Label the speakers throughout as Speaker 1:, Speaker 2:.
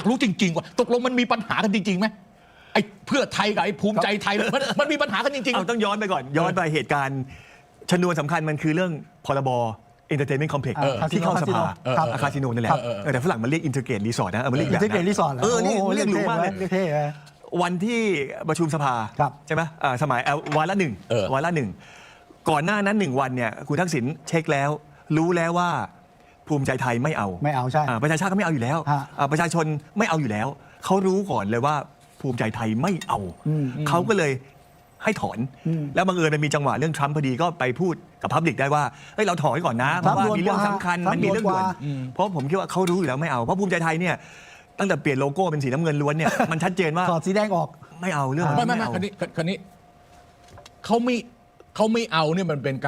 Speaker 1: ากรู้จริงๆว่าตกลงมันมีปัญหากันจริงๆไหมไอ้เพื่อไทยกับไอ้ภูมิใจไทยมันมีปัญหากันจริงๆ
Speaker 2: เอาต้องย้อนไปก่อนย้อนไปเหตุการณ์ชนวนสำคัญมันคือเรื่องพรบ Entertainment Complex ที่เข้าสภาคาสิโนนั่นแหละแต่ฝรั่งมันเรียก Integrate Resort นะมันเรียกอย่างนั้น
Speaker 3: Integrate Resort
Speaker 2: เรียกหรูมากเลยวันที่ประชุมสภาใช่ไหมสมัยวาระหนึ่งก่อนหน้านั้น1 วันเนี่ยคุณทักษิณเช็คแล้วรู้แล้วว่าภูมิใจไทยไม่เอา
Speaker 3: ใช่
Speaker 2: ประชาชาติก็ไม่เอาอยู่แล้วประชาชนไม่เอาอยู่แล้วเขารู้ก่อนเลยว่าภูมิใจไทยไม่เอาเขาก็เลยให้ถอนแล้วบังเอิญมันมีจังหวะเรื่องทรัมป์พอดีก็ไปพูดกับพับลิกได้ว่าเฮ้ยเราถอนไว้ก่อนนะเพราะว่ามีเรื่องสำคัญมันมีเรื่องด่วนเพราะผมคิดว่าเขารู้อยู่แล้วไม่เอาเพราะภูมิใจไทยเนี่ยตั้งแต่เปลี่ยนโลโก้เป็นสีน้ำเงินล้วนเนี่ยมันชัดเจนว่า
Speaker 3: ถอดสีแดงออก
Speaker 2: ไม่เอาเรื่อง
Speaker 1: ไม่คันนี้เขาไม่เอาเนี่ยมันเป็น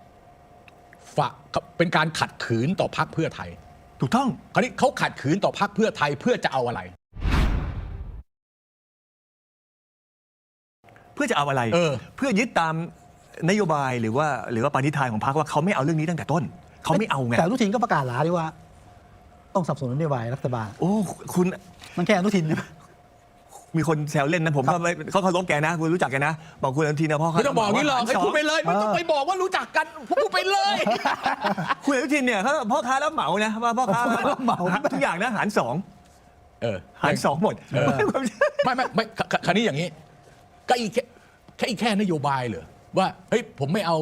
Speaker 1: การขัดขืนต่อพรรคเพื่อไทย
Speaker 2: ถูกต้อง
Speaker 1: คราวนี้เขาขัดขืนต่อพรรคเพื่อไทยเพื่อจะเอาอะไร
Speaker 2: เพื่อจะเอาอะไรเพื่อยึดตามนโยบายหรือว่าปณิธานของพรรคว่าเขาไม่เอาเรื่องนี้ตั้งแต่ต้นเขาไม่เอาไง
Speaker 3: แต่อนุทินก็ประกาศหลาดีว่าต้องสนับสนุนนโยบายรัฐบาล
Speaker 2: โอ้คุณ
Speaker 3: มันแค่อนุทิน
Speaker 2: มีคนแซวเล่นนะผมก็เขาเคารพแกนะคุณรู้จักแกนะบอกคุณอนุทินนะพ่อ
Speaker 1: ไม่ต้องบอกนี่หรอกให้พูดไปเลยไม่ต้องไปบอกว่ารู้จักกันพูดไปเลย
Speaker 2: คุณอนุทินเนี่ยเขาพ่อค้ารับเหมานะว่าพ่อค้ารับเหมาทุกอย่างนะหาร2หาร2หมด
Speaker 1: ไม่คราวนี้อย่างนี้ก็แค่นโยบายเหรอว่าเฮ้ยผมไม่เอา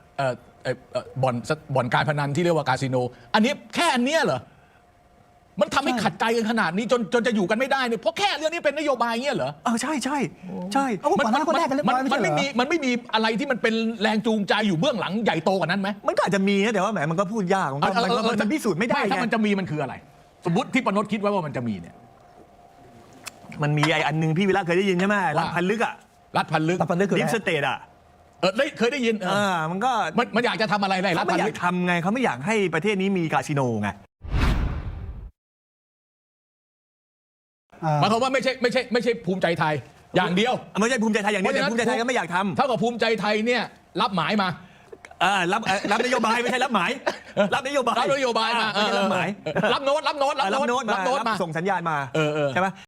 Speaker 1: บ่อนการพนันที่เรียกว่าคาสิโนอันนี้แค่อันเนี้ยเหรอมันทำให้ขัดใจกันขนาดนี้จนจะอยู่กันไม่ได้เนี่ยเพราะแค่เรื่องนี้เป็นนโยบายเงี้ยเหรอ
Speaker 2: ใช่
Speaker 1: มันไม่มีอะไรที่มันเป็นแรงจูงใจอยู่เบื้องหลังใหญ่โตกว่านั้นไหม
Speaker 2: มันก็อาจจะมีนะแต่ว่าแหมมันก็พูดยากมันพิสูจน์ไม่ได้
Speaker 1: ถ้ามันจะมีมันคืออะไรสมมติที่ปนดคิดไว้ว่ามันจะมีเนี่ย
Speaker 2: มันมีไอ้อันนึงพี่วิระเคยได้ยินใช่ไหมรัฐพันลึก
Speaker 3: คือ
Speaker 2: ดิฟสเตท
Speaker 1: เคยได้ยิน
Speaker 2: มันก็
Speaker 1: มันอยากจะทำอะไรรัฐ
Speaker 2: ไม่อยากทำไงเขาไม่อยากให้ประเทศนี้มีคาสิโนไง
Speaker 1: หมายความว่าไม่ใช่ภูมิใจไทยอย่างเดียว
Speaker 2: ไม่ใช่ภูมิใจไทยอย่างเดียวแต่ภูมิใจไทยก็ไม่อยากทำ
Speaker 1: เท่ากับภูมิใจไทยเนี่ยรับหมายมา
Speaker 2: รับนโยบายไม่ใช่รับหมายรับนโยบาย
Speaker 1: มา
Speaker 2: รับหมาย
Speaker 1: รับโน้ต
Speaker 2: มาส่งสัญญาณมาใช่ไหม